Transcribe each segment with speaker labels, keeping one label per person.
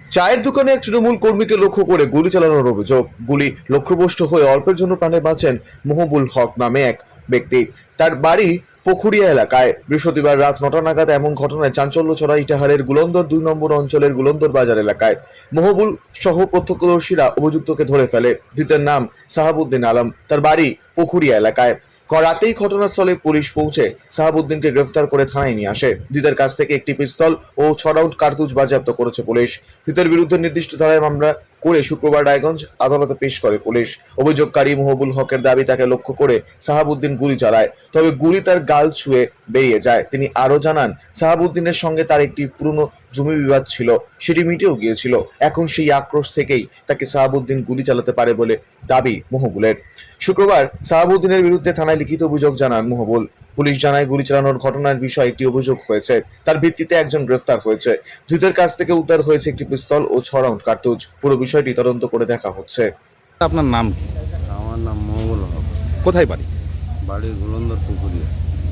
Speaker 1: চায়ের দোকানে এক তৃণমূল কর্মীকে লক্ষ্য করে গুলি চালানোর অভিযোগ। গুলি লক্ষ্যভ্রষ্ট হয়ে অল্পের জন্য প্রাণে বাঁচেন মহবুল হক নামে এক ব্যক্তি। তার বাড়ি পুখুরিয়া এলাকায়। বৃহস্পতিবার রাত ৯টা নাগাদ এমন ঘটনায় চাঞ্চল্য ছড়ায় ইটাহারের গুলন্দর ২ নম্বর অঞ্চলের গুলন্দর বাজার এলাকায়। মহবুল সহ প্রত্যক্ষদর্শীরা অভিযুক্তকে ধরে ফেলে। ধৃতের নাম সাহাবুদ্দিন আলম, তার বাড়ি পুখুরিয়া এলাকায়। রাতেই ঘটনাস্থলে পুলিশ পৌঁছে সাহাবুদ্দিনকে গ্রেফতার করে থানায় নিয়ে আসে। ধৃতের কাছ থেকে একটি পিস্তল ও ৬ রাউন্ড কার্তুজ বাজেয়াপ্ত করেছে পুলিশ। ধৃতের বিরুদ্ধে নির্দিষ্ট ধারায় মামলা করে শুক্রবার রায়গঞ্জ আদালতে পেশ করে পুলিশ। অভিযোগকারী মহবুল হকের দাবি, তাকে লক্ষ্য করে সাহাবুদ্দিন গুলি চালায়, তবে গুলি তার গাল ছুঁয়ে বেরিয়ে যায়। তিনি আরো জানান, সাহাবুদ্দিনের সঙ্গে তার একটি পুরনো জমি বিবাদ ছিল, সেটি মিটেও গিয়েছিল। এখন সেই আক্রোশ থেকেই তাকে সাহাবুদ্দিন গুলি চালাতে পারে বলে দাবি মহবুলের। শুক্রবার সাহাবুদ্দিনের বিরুদ্ধে থানায় লিখিত অভিযোগ জানান মহবুল। পুলিশ জানায়, গুলি চালানোর ঘটনার বিষয়ে একটি অভিযোগ হয়েছে, তার ভিত্তিতে একজন গ্রেফতার হয়েছে। ধৃতের কাছ থেকে উদ্ধার হয়েছে একটি পিস্তল ও ৬ রাউন্ড কার্তুজ। পুরো বিষয়টি তদন্ত করে দেখা হচ্ছে।
Speaker 2: আপনার নাম কি?
Speaker 3: আমার নাম মঙ্গল হক,
Speaker 2: কোথায় বাড়ি?
Speaker 3: বাড়ি গুলন্দর পুকুরিয়া।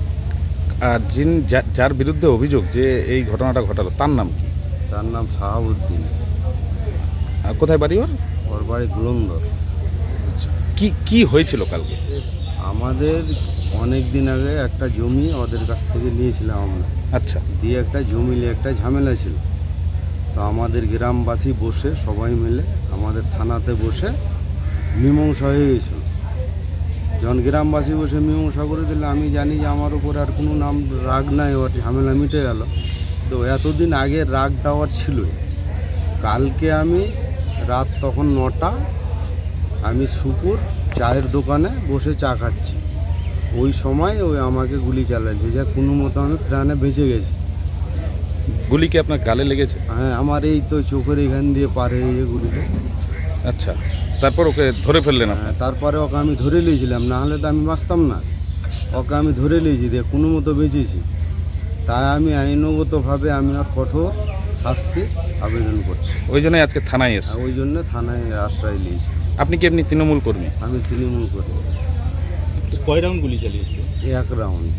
Speaker 2: আর যার বিরুদ্ধে অভিযোগ যে এই ঘটনাটা ঘটালো তার নাম কি?
Speaker 3: তার নাম সাহাবুদ্দিন।
Speaker 2: আর কোথায় বাড়ি ওর?
Speaker 3: ওর বাড়ি গুলন্দর।
Speaker 2: কি হয়েছিল কালকে?
Speaker 3: আমাদের অনেক দিন আগে একটা জমি ওদের কাছ থেকে নিয়েছিলাম আমরা।
Speaker 2: আচ্ছা,
Speaker 3: দিয়ে একটা জমি নিয়ে একটা ঝামেলা ছিল। তো আমাদের গ্রামবাসী বসে সবাই মিলে আমাদের থানাতে বসে মীমাংসা হয়ে গেছিল। যখন গ্রামবাসী বসে মীমাংসা করে দিলে, আমি জানি যে আমার উপর আর কোনো নাম রাগ নাই, ওর ঝামেলা মিটে গেল। তো এতদিন আগে রাগ দেওয়ার ছিলই। কালকে আমি রাত তখন ৯টা, আমি সুপুর চায়ের দোকানে বসে চা খাচ্ছি। ওই সময় ওই আমাকে গুলি চালাচ্ছে, যা কোনো মতো আমি প্রাণে বেঁচে গেছি।
Speaker 2: গুলি কি আপনার গালে লেগেছে?
Speaker 3: হ্যাঁ, আমার এই তো চোখের এখান দিয়ে পার হয়ে গিয়ে গুলিটা।
Speaker 2: আচ্ছা, তারপর ওকে ধরে ফেললেন আপনি?
Speaker 3: হ্যাঁ, তারপরে ওকে আমি ধরে নিয়েছিলাম, না হলে তো আমি বাঁচতাম না। ওকে আমি ধরে নিয়েছি, দিয়ে কোনো মতো বেঁচেছি। তাই আমি আইনগতভাবে আমি আর কঠোর শাস্তি আবেদন করছি।
Speaker 2: ওই জন্যই আজকে থানায় এসে।
Speaker 3: ওই জন্য থানায় আশ্রয় নিয়েছি।
Speaker 2: আপনি কি এমনি তৃণমূল কর্মী?
Speaker 3: আমি তৃণমূল করি।
Speaker 4: কয় রাউন্ড গুলি চালিয়েছিল?
Speaker 3: ১ রাউন্ড।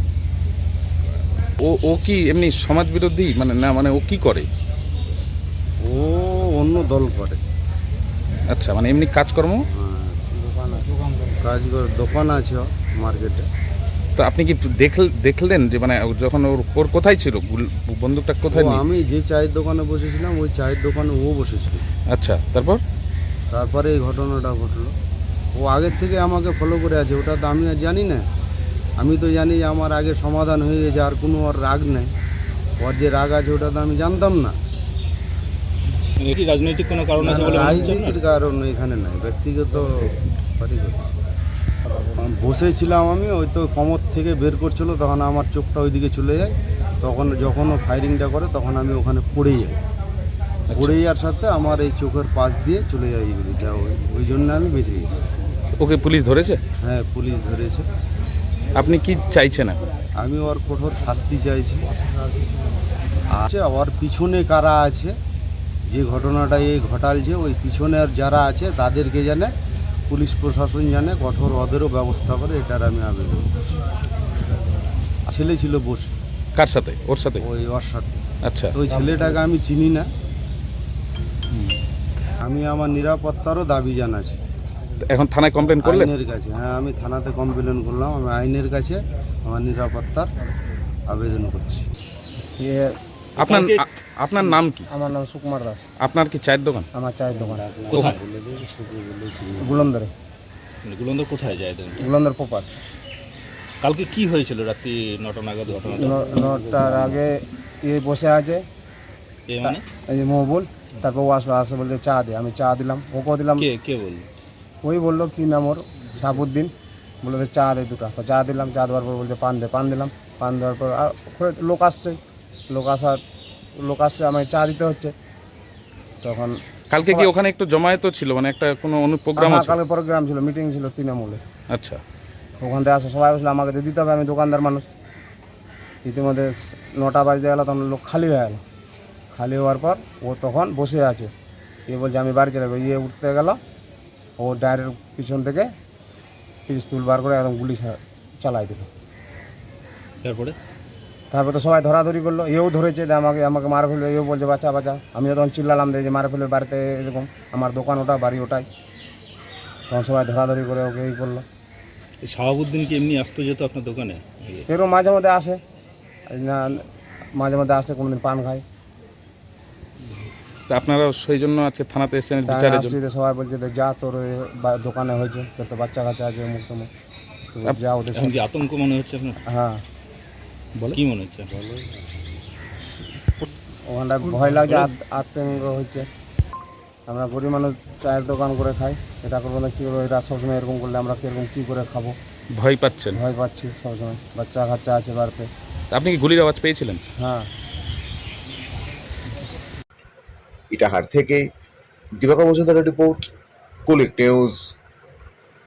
Speaker 2: ও কি এমনি সমাজ বিরোধী মানে ও কি করে?
Speaker 3: ও অন্য দল করে।
Speaker 2: আচ্ছা, মানে এমনি কাজকর্ম?
Speaker 3: হ্যাঁ, কাজ করে, দোকান আছে মার্কেটে।
Speaker 2: তো আপনি কি দেখলেন যে মানে যখন ওর কোথায় ছিল বন্দুকটা কোথায় নিয়ে?
Speaker 3: আমি যে চায়ের দোকানে বসেছিলাম, ওই চায়ের দোকানে ও বসেছিল।
Speaker 2: আচ্ছা,
Speaker 3: তারপরে এই ঘটনাটা ঘটলো। ও আগের থেকে আমাকে ফলো করে আছে, ওটা তো আমি আর জানি না। আমি তো জানি যে আমার আগে সমাধান হয়ে গেছে, আর কোনো ওর রাগ নেই। ওর যে রাগ আছে ওটা তো আমি জানতাম না।
Speaker 4: কি রাজনৈতিক কোনো কারণ আছে বলে মনে হচ্ছে আপনার?
Speaker 3: রাজনীতির কারণ এখানে নাই, ব্যক্তিগত বসেছিলাম আমি। ওই তো কোমর থেকে বের করছিল, তখন আমার চোখটা ওইদিকে চলে যায়। তখন যখন ও ফায়ারিংটা করে, তখন আমি ওখানে পড়ে যাই। পড়ে যাওয়ার সাথে আমার এই চোখের পাশ দিয়ে চলে যায় এগুলিটা। ওই জন্য আমি বেঁচে গেছি।
Speaker 2: ওকে পুলিশ ধরেছে?
Speaker 3: হ্যাঁ, পুলিশ ধরেছে।
Speaker 2: আপনি কি চাইছেন এখন?
Speaker 3: আমি ওর কঠোর শাস্তি চাইছি। আচ্ছা, ওর পিছনে কারা আছে, যে ঘটনাটা এই ঘটালছে, ওই পিছনে যারা আছে তাদেরকে জানে পুলিশ প্রশাসন জানে, কঠোর ওদেরও ব্যবস্থা করে, এটার আমি আবেদন করছি। ছেলে ছিল বসে।
Speaker 2: কার সাথে? ওর সাথে?
Speaker 3: ওর সাথে।
Speaker 2: আচ্ছা,
Speaker 3: ওই ছেলেটাকে আমি চিনি না। আমি আমার নিরাপত্তারও দাবি জানাচ্ছি।
Speaker 2: এখন থানায় কমপ্লেন করলেন?
Speaker 3: আইনের কাছে, হ্যাঁ, আমি থানাতে কমপ্লেন করলাম। আমি আইনের কাছে আমার নিরাপত্তার আবেদন করছি।
Speaker 2: আপনার নাম কি?
Speaker 5: আমার নাম সুকুমার দাস।
Speaker 2: আপনার কি চায়ের দোকান?
Speaker 5: আমার চায়ের দোকান
Speaker 4: কোথায়?
Speaker 5: গুলন্দরে।
Speaker 4: গুলন্দর কোথায় যায় দেন?
Speaker 5: গুলন্দর পোপার।
Speaker 4: কালকে কি হয়েছিল রাত্রি ৯টা নাগাদ ঘটনাটা?
Speaker 5: ৯টার আগে বসে আছে,
Speaker 4: এ মানে
Speaker 5: এই যে মহবুল। তারপর ও আসে বলছে চা দে, আমি চা দিলাম, ওকেও দিলাম।
Speaker 4: কে বলল?
Speaker 5: ওই বললো কি নাম ওর, সাহাবুদ্দিন। বললো যে চা দে দুটা, তো চা দিলাম। চা দেওয়ার পর বলছে পান দে, পান দিলাম। পান দেওয়ার পর আর লোক আসছে, আমায় চা দিতে হচ্ছে। তখন
Speaker 2: কালকে কি ওখানে একটু জমায়েত ছিল, মানে একটা কোনো প্রোগ্রাম আছে?
Speaker 5: কালকে প্রোগ্রাম ছিল, মিটিং ছিল তৃণমূলে।
Speaker 2: আচ্ছা,
Speaker 5: ওখান থেকে আসে সবাই বসলে, আমাকে তো দিতে হবে, আমি দোকানদার মানুষ। ইতিমধ্যে ৯টা বাজতে গেল, তখন লোক খালি হয়ে গেল। খালি হওয়ার পর ও তখন বসে আছে। বলছে আমি বাড়ি চলে যাবো। উঠতে গেল, ও ডায়ের পিছন থেকে পিস্তল বার করে একদম গুলি চালাই দিল।
Speaker 4: তারপরে
Speaker 5: তারপর তো সবাই ধরাধরি করলো, এও ধরেছে যে আমাকে আমাকে মারা ফেলবে, এও বলছে বাচ্চা বাচ্চা। আমিও তখন চিল্লালাম যে মারা ফেলবে বাড়িতে, এরকম আমার দোকান ওটা, বাড়ি ওটাই। তখন সবাই ধরাধরি করে ওকে এই করলো।
Speaker 4: এই শাহাবুদ্দিন কি এমনি আসতো যেত আপনার দোকানে?
Speaker 5: এরকম মাঝে মধ্যে আসে, না মাঝে মধ্যে আসে, কোনোদিন পান খায়।
Speaker 2: তা আপনারা সেই জন্য আজকে থানাতে এসেছেন
Speaker 5: তাই
Speaker 2: বিচারের জন্য?
Speaker 5: আসছি তো সবাই বলছে যে যা তোর ওই দোকানে হয়েছে, তোর তো বাচ্চা কাচ্চা আছে মুখ তোমার, যা ওদের
Speaker 4: এখন
Speaker 5: সঙ্গে।
Speaker 4: কি আতঙ্ক মনে হচ্ছে আপনার?
Speaker 5: হ্যাঁ,
Speaker 4: কি মনে হচ্ছে?
Speaker 5: ওখানটা ভয় লাগছে, আতঙ্ক হচ্ছে। আমরা গরিব মানুষ, চায়ের দোকান করে খাই, এটা করবো না কী করবো, এটা সবসময় এরকম করলে আমরা কীরকম কী করে খাবো,
Speaker 2: ভয় পাচ্ছেন?
Speaker 5: ভয় পাচ্ছি সবসময়, বাচ্চা কাচ্চা আছে বাড়িতে।
Speaker 2: তা আপনি কি গুলির আওয়াজ পেয়েছিলেন?
Speaker 5: হ্যাঁ।
Speaker 1: ইটাহার থেকে দিবাকর মজুমদারের রিপোর্ট, কুলিক নিউজ।